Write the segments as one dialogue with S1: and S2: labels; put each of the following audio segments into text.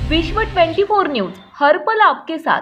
S1: विश्व 24 न्यूज हर पल आपके साथ।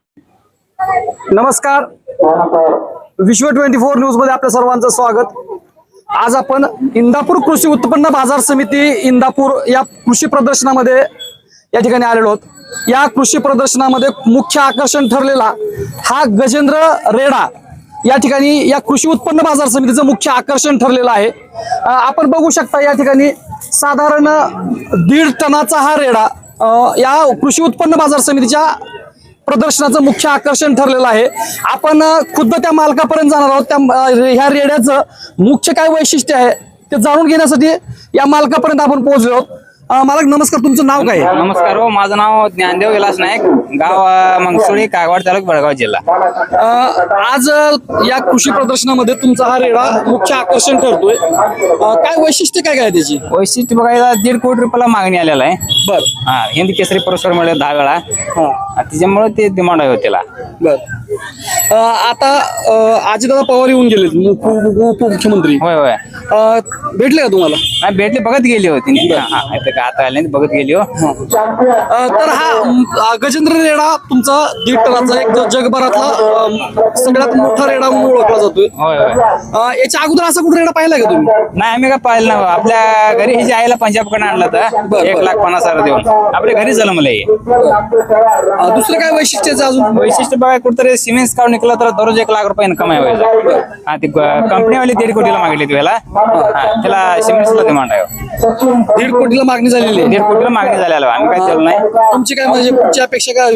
S2: नमस्कार, विश्व 24 न्यूज मध्ये आपल्या सर्वांचं स्वागत। आज आपण इंदापूर कृषी उत्पन्न बाजार समिती इंदापूर या कृषी प्रदर्शनामध्ये या ठिकाणी आलेलो आहोत। या कृषी प्रदर्शनामध्ये मुख्य आकर्षण ठरलेला हा गजेंद्र रेडा या ठिकाणी या कृषी उत्पन्न बाजार समितीचं मुख्य आकर्षण ठरलेलं आहे। आपण बघू शकता या ठिकाणी साधारण 1.5 टनाचा हा रेडा या कृषी उत्पन्न बाजार समितीच्या प्रदर्शनाचं मुख्य आकर्षण ठरलेलं आहे। आपण खुद्द त्या मालकापर्यंत जाणार आहोत। त्या ह्या रेड्याचं मुख्य काय वैशिष्ट्य आहे ते जाणून घेण्यासाठी या मालकापर्यंत आपण पोहोचलो आहोत। मालक नमस्कार, तुमचं नाव काय आहे?
S3: नमस्कार हो, माझं नाव ज्ञानदेव विलास नाईक, गाव मंगसुळी, कागवाड तालुका, बेळगाव जिल्हा।
S2: आज या कृषी प्रदर्शनामध्ये तुमचा हा रेडा मुख्य आकर्षण ठरतोय। काय वैशिष्ट्य काय काय त्याची?
S3: वैशिष्ट्य बघायला 1.5 कोटी रुपयाला मागणी आलेला आहे।
S2: बर,
S3: हा, हिंद केसरी पुरस्कार मिळाले 10 वेळा, त्याच्यामुळे ते डिमांड आहे त्याला।
S2: बर, आता अजितदादा पवार येऊन गेले, उपमुख्यमंत्री।
S3: होय होय,
S2: भेटले का तुम्हाला?
S3: नाही भेटले, बघत गेली होती आता आले, बघत गेली हो।
S2: तर हा गजेंद्र रेडा तुमचा 1.5 टनाचा एक जगभरातला सगळ्यात मोठा रेडा म्हणून ओळखला जातोय।
S3: होय होय,
S2: याच्या अगोदर असा कुठे रेडा पाहिला का तुम्ही?
S3: नाही आम्ही काय पाहिलं ना, आपल्या घरी ही जी आईला पंजाबकडे आणलं तर 1,50,000 देऊन आपल्या घरी झालं मला हे।
S2: दुसरं काय वैशिष्ट्याचं अजून?
S3: वैशिष्ट्य बघा, कुठतरी सिमेंट काढून निघलं तर दररोज 1 लाख रुपये इन्कम आहे व्हायचं। हा, ती कंपनीवाली 1.5 कोटीला मागितली त्याला, त्याला सिमेंटला डिमांड आहे।
S2: 1.5 कोटीला मागणी झालेली आहे।
S3: 1.5 कोटीला मागणी झालेला, आम्ही काय केलं नाही।
S2: तुमची काय म्हणजे पुढची अपेक्षा काय?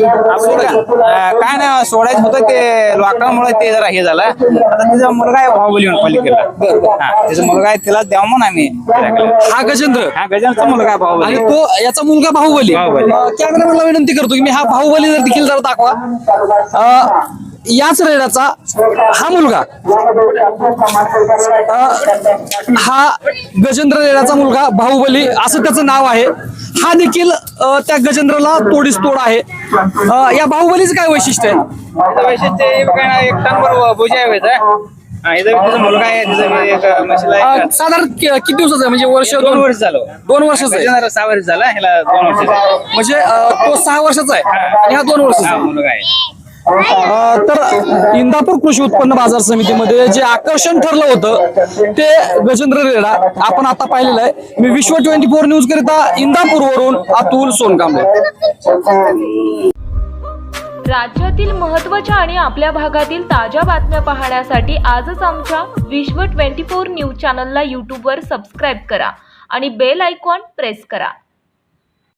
S3: काय नाही, सोडायचं होतं ते लोकांमुळे ते जरा हे झालं। आता त्याचा मुलगा आहे बाहुबली म्हणून पालिकेला, त्याचा मुलगा आहे, त्याला द्यावं म्हणून आम्ही।
S2: हा गजेंद्र,
S3: हा गजानचा मुलगा आहे बाहुबली,
S2: आणि तो याचा मुलगा बाहुबली। कॅमेरामॅनला विनंती करतो की मी हा बाहुबली जर देखील जरा दाखवा। याच रेड्याचा हा मुलगा, हा गजेंद्र रेड्याचा मुलगा बाहुबली असं त्याचं नाव आहे। हा देखील त्या गजेंद्रला तोडीस तोड आहे। या बाहुबलीचं काय वैशिष्ट्य आहे?
S3: वैशिष्ट्य बघा ना, 1 टन बरोबर भुजा आहे त्याचा मुलगा आहे,
S2: साधारण किती दिवसाचा आहे? म्हणजे वर्ष
S3: 2 वर्ष झालं।
S2: 2 वर्षाचा आहे?
S3: 6 वर्ष झाला, ह्याला 2 वर्ष।
S2: म्हणजे तो 6 वर्षाचा आहे आणि हा 2 वर्षाचा
S3: मुलगा आहे।
S2: तर इंदापूर कृषी उत्पन्न बाजार समितीमध्ये जे आकर्षण ठरलं होतं ते गजेंद्र रेडा आपण आता पाहिलेलं आहे। मी विश्व 24 न्यूज करिता इंदापूरवरून अतुल सोनकांबळे।
S1: राज्यातील महत्त्वाच्या आणि आपल्या भागातील ताज्या बातम्या पाहण्यासाठी आजच आमच्या विश्व 24 न्यूज चॅनलला यूट्यूबवर सबस्क्राईब करा आणि बेल आयकॉन प्रेस करा।